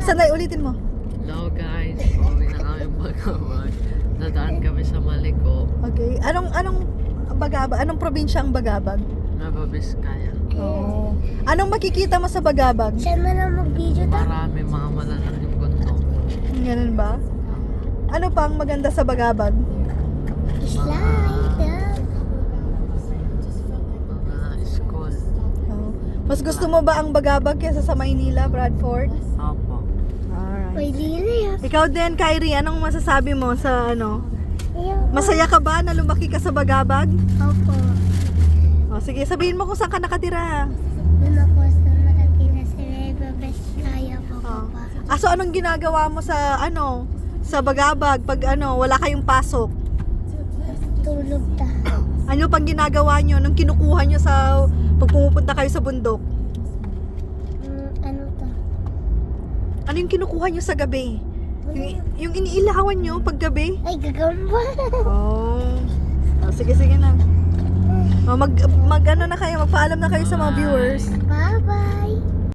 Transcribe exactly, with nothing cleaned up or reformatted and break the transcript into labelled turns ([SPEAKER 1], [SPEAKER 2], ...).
[SPEAKER 1] Sanay, ulitin mo.
[SPEAKER 2] Hello guys, pauwi na kami Bagabag. Nadaan kami sa Maliko,
[SPEAKER 1] Okay. Anong, anong Bagabag? Anong probinsya ang Bagabag?
[SPEAKER 2] Nueva Vizcaya.
[SPEAKER 1] Oh. Anong makikita mo sa Bagabag?
[SPEAKER 3] Saan mo na mag-video ta?
[SPEAKER 2] Marami mga malalaking bundok.
[SPEAKER 1] Ganun ba? Ano pa ang maganda sa Bagabag?
[SPEAKER 3] Slide.
[SPEAKER 2] Mga school.
[SPEAKER 1] Oh. Mas gusto mo ba ang Bagabag kaysa sa Maynila, Bradford?
[SPEAKER 2] Opo.
[SPEAKER 1] Alright.
[SPEAKER 3] Pwede na yan.
[SPEAKER 1] Ikaw din, Kyrie, anong masasabi mo sa ano?
[SPEAKER 3] Ayun.
[SPEAKER 1] Masaya ka ba na lumaki ka sa Bagabag?
[SPEAKER 3] Opo.
[SPEAKER 1] O, sige, sabihin mo kung saan ka nakatira.
[SPEAKER 3] Doon ako sa nakatira sa Nueva Vizcaya po,
[SPEAKER 1] Oh.
[SPEAKER 3] Papa.
[SPEAKER 1] Ah, so anong ginagawa mo sa ano? Sa Bagabag pag ano, wala kayong pasok?
[SPEAKER 3] Tulog ta.
[SPEAKER 1] Ano pang ginagawa nyo nung kinukuha nyo sa pag pumupunta kayo sa bundok?
[SPEAKER 3] Mm, ano ta?
[SPEAKER 1] Ano yung kinukuha nyo sa gabi? Yung, yung iniilawan nyo pag gabi?
[SPEAKER 3] Ay, gagamba.
[SPEAKER 1] Oh. Oh, sige, sige na. Oh, mag, mag ano na kayo, magpaalam na kayo sa mga viewers.
[SPEAKER 3] Bye-bye.